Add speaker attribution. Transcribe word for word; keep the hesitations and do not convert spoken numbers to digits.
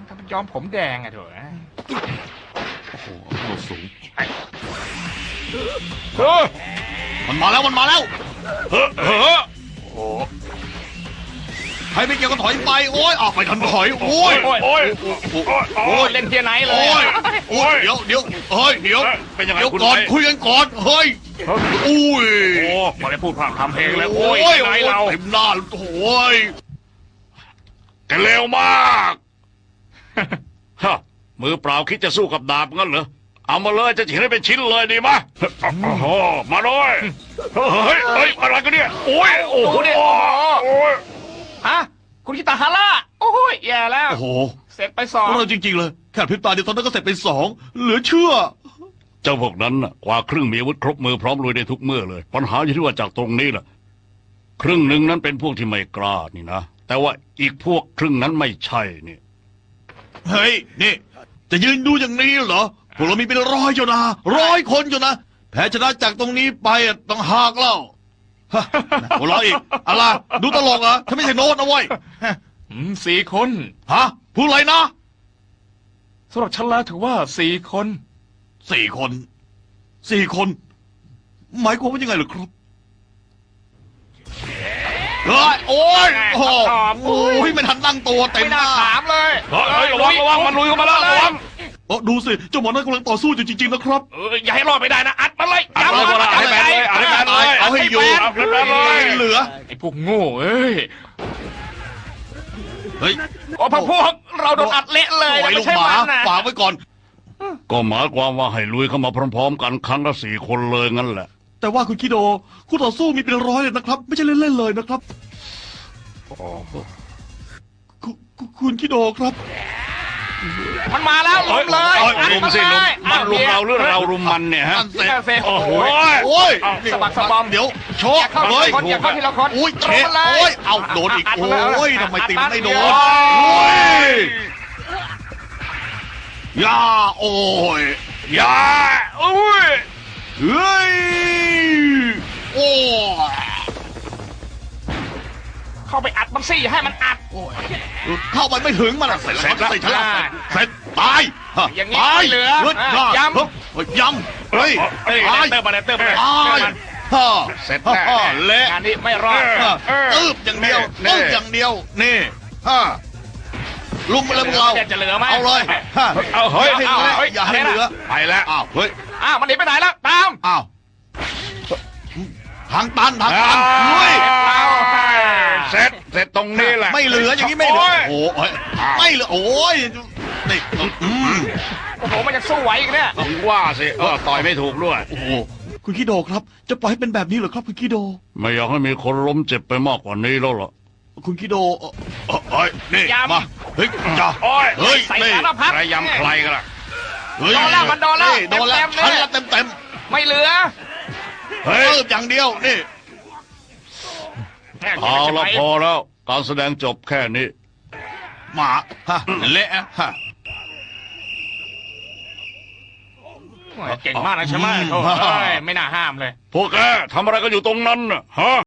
Speaker 1: ถ้ามันยอมผมแดงอะเถอะ
Speaker 2: โอ้โหโดดสูง
Speaker 1: เออ
Speaker 2: มันมาแล้วมันมาแล้ว
Speaker 1: เฮ้อเฮ้อโอ้
Speaker 2: ใครไม่เกี่ยวก็ถอยไปโอ้ยออกไปทันถอยโอ้ย
Speaker 1: โอ้ยโอ้ย
Speaker 2: โอ้ย
Speaker 1: เล่นเทียร์ไนท์เล
Speaker 2: โอ้
Speaker 1: ย
Speaker 2: ยโอ้ยเดี๋ยวเดี๋ยวเฮ้ยเดี๋ยว
Speaker 3: เป็นยังไง
Speaker 2: เดี๋ยว
Speaker 3: คุณ
Speaker 2: ก่อน
Speaker 3: ไอ้
Speaker 2: คุยกันก่อนเฮ้ยอุ้ย
Speaker 3: โอ้มาได้พูดพร่ำทำเพลงแล้วโอ้ย
Speaker 2: โอ้ย
Speaker 3: ไหนเรา
Speaker 2: เต็มหน้าโอ้ย
Speaker 3: แกเร็วมากฮะมือเปล่าคิดจะสู้กับดาบงั้นเหรอเอามาเลยจะฉีกให้เป็นชิ้นเลยดีมะโอ้โหมาเลยเฮ้ยเฮ้ยอะไรกันเนี่ยโอ้ยโอ้โหโอ้ย
Speaker 1: ฮะคุณคิตาฮาร่าโอ้ยแย่แล้ว
Speaker 2: โอ้โห
Speaker 1: เสร็จไปสอง
Speaker 2: เราจริงๆเลยแค่พริบตาเดียวตอนนั้นก็เสร็จไปสองเหลือเชื่อ
Speaker 3: เจ้าพวกนั้นน่ะกว่าครึ่งมีอาวุธครบมือพร้อมลุยได้ทุกเมื่อเลยปัญหาอยู่ที่ว่าจากตรงนี้แหละครึ่งหนึ่งนั้นเป็นพวกที่ไม่กล้านี่นะแต่ว่าอีกพวกครึ่งนั้นไม่ใช่นี่
Speaker 2: เฮ้ยนี่จะยืนดูอย่างนี้เหรอพวกเรามีเป็นร้อยอยู่นะร้อยคนอยู่นะแพ้ชนะจากตรงนี้ไปอะต้องหากเล่าฮะหัวเราะอีกอะไรดูตลกเหรอฉันไม่ใช่โน้ตนะเว้ย
Speaker 1: อืมสี่คน
Speaker 2: ฮะพูดอะไรนะ
Speaker 1: สำหรับฉันแล้วถือว่าสี่คน
Speaker 2: สี่คนสี่คนหมายความว่ายังไงเหรอครับเฮ้ยโอ้ยโอ้โหโอ้ยไม่ทันตั้งตัวเต็ม
Speaker 1: ไม่
Speaker 2: ห
Speaker 1: น่า
Speaker 2: น้า
Speaker 1: ถามเลย
Speaker 3: เฮ้ยระวังระวังมันลุยเข้ามาแล้วระวัง
Speaker 2: เออดูสิเจ้าหมอนั่นกำลังต่อสู้อยู่จริงๆนะครับ
Speaker 1: เอออย่าให้รอดไม่ได้นะอัดมันเลย
Speaker 3: อัดเลย
Speaker 1: มั
Speaker 3: อัดให้แบนเลยอัดให้แบนเลย
Speaker 2: เอาให้อยู่
Speaker 3: เอาให้แบนเลย
Speaker 2: เหลือ
Speaker 1: ไอ้พวกโง่เอ้ย
Speaker 2: เฮ้ย
Speaker 1: โอ้พวกพวกเราโดนอัดเละเลย
Speaker 2: ปล่
Speaker 1: นะ
Speaker 2: อยลู
Speaker 1: ไม่
Speaker 2: ก
Speaker 1: ใช่
Speaker 2: หมา
Speaker 1: มันนะ
Speaker 2: ฝากไว้ก่อน
Speaker 3: ก็หมายความว่าให้ลุยเข้ามาพร้อมๆกันครั้งละสี่คนเลยงั้นแหละ
Speaker 2: แต่ว่าคุณคิโดคู่ต่อสู้มีเป็นร้อยเลยนะครับ ไม่ใช่เล่นๆเลยนะครับคุณคุณคุณคิโดครับ
Speaker 1: มันมาแล้วลุมเลย
Speaker 3: เอ้ย
Speaker 1: อัด
Speaker 3: ลุม
Speaker 1: มัน
Speaker 3: สิ
Speaker 1: เล
Speaker 3: ลุม
Speaker 1: ย
Speaker 3: มันลุมเราหรือเรารุมมันเนี่ยฮะ
Speaker 2: นั่นเสร็จ
Speaker 1: นั่นสิ
Speaker 3: โอ้โห
Speaker 2: โอ้ย
Speaker 1: สะบักสะบอม
Speaker 2: เดี๋ยวโช
Speaker 1: อ
Speaker 2: ว์
Speaker 1: ย่าเข้าที
Speaker 2: เฮ้ย
Speaker 1: ละคนอย่าเข้าทีละคน
Speaker 2: อุ้ยเชะ
Speaker 1: ตรงมาเลย
Speaker 2: โอ้ยเอาโดนอีก
Speaker 1: อัดมันเลย
Speaker 2: โอ้ยทำไมติมไม่โดน
Speaker 1: อัดมัน
Speaker 2: โอ้ยยาโอ้ย
Speaker 3: อย่าอุ้ย
Speaker 2: เฮ้ยโอ้ย
Speaker 1: เข้าไปอัดมันสิอย่าให้มันอัด
Speaker 2: โอ้ยเข้าไปไม่ถึงมันอะเสร็จแล้วเสร็จแล้วเสร็จตาย
Speaker 1: อย่างนี้
Speaker 2: ตาย
Speaker 1: ไม่เหลือ
Speaker 2: ฮ้
Speaker 1: อ่ะย้ำ
Speaker 2: เฮ้ยย้ำเฮ้ย
Speaker 1: เอ้ย
Speaker 2: ตาย
Speaker 1: เติมมาเลยเติมมาเลย
Speaker 2: ตายฮ่า
Speaker 3: เสร็จ
Speaker 2: ฮ่า
Speaker 3: แน่
Speaker 2: ฮ่าเละ
Speaker 1: งานนี้ไม่รอด
Speaker 2: ฮ่า
Speaker 1: เออ
Speaker 2: ตืบอย่างเดียว
Speaker 3: นี่
Speaker 2: ตืบอย่างเดียวนี่ฮ่าลุมมาเลยพวกเรา
Speaker 1: จะเหลือไหม
Speaker 2: เอาเลยฮ่า
Speaker 3: เอาเฮ้ย
Speaker 2: อย่าให้เหลือ
Speaker 1: เอาเฮ้ย
Speaker 2: อย่าให้เหลือ
Speaker 3: ไปแล้ว
Speaker 2: อ้าวเฮ้ย
Speaker 1: อ้าวมันหนีไปไหนแล้วตาม
Speaker 2: อ้าวทางตันทางตันลุย
Speaker 3: เสร็จเสร็จตรงนี้แหละ
Speaker 2: ไม่เหลืออย่างนี้ไม่เหลือ
Speaker 3: โอ้ย
Speaker 2: โอ้ยไม่เหลือโอ้ยนี่อืม
Speaker 1: โอ้โหมันยังสู้ไหวอีกเนี่ย
Speaker 3: ถึงว่าสิเออต่อยไม่ถูกด้วย
Speaker 2: โอ้โหคุณคิโดครับ จะปล่อยให้เป็นแบบนี้เหรอครับ คุณคิโด
Speaker 3: ไม่อยากให้มีคนล้มเจ็บไปมากกว่านี้แล้วล่ะ
Speaker 2: คุณคิโดเอ่อเอ่อเอ้ยนี่
Speaker 1: ย้ำ
Speaker 2: มาเฮ้ยจ้า
Speaker 3: โอ้ย
Speaker 2: เฮ้ย
Speaker 1: ใส่
Speaker 2: นี่
Speaker 1: สารพัด
Speaker 3: ใครยำใครกันล่ะ
Speaker 2: เฮ้ย
Speaker 1: โดนแล้วมันโดนแล้ว
Speaker 2: โดนแล้ว
Speaker 1: เต็มๆเลย
Speaker 2: ชั้นละเต็มเต็ม
Speaker 1: ไม่เหลือ
Speaker 2: ๆ
Speaker 3: เฮ้ย
Speaker 2: เติบอย่างเดียวนี่
Speaker 3: เอาละพอแล้ว การแสดงจบแค่นี้
Speaker 2: หมาฮะเละฮะ
Speaker 1: เก่งมากนะใช่ไหมโอ้ยไม่น่าห้ามเลย
Speaker 3: พวกแกทำอะไรกันอยู่ตรงนั้นน่ะฮะ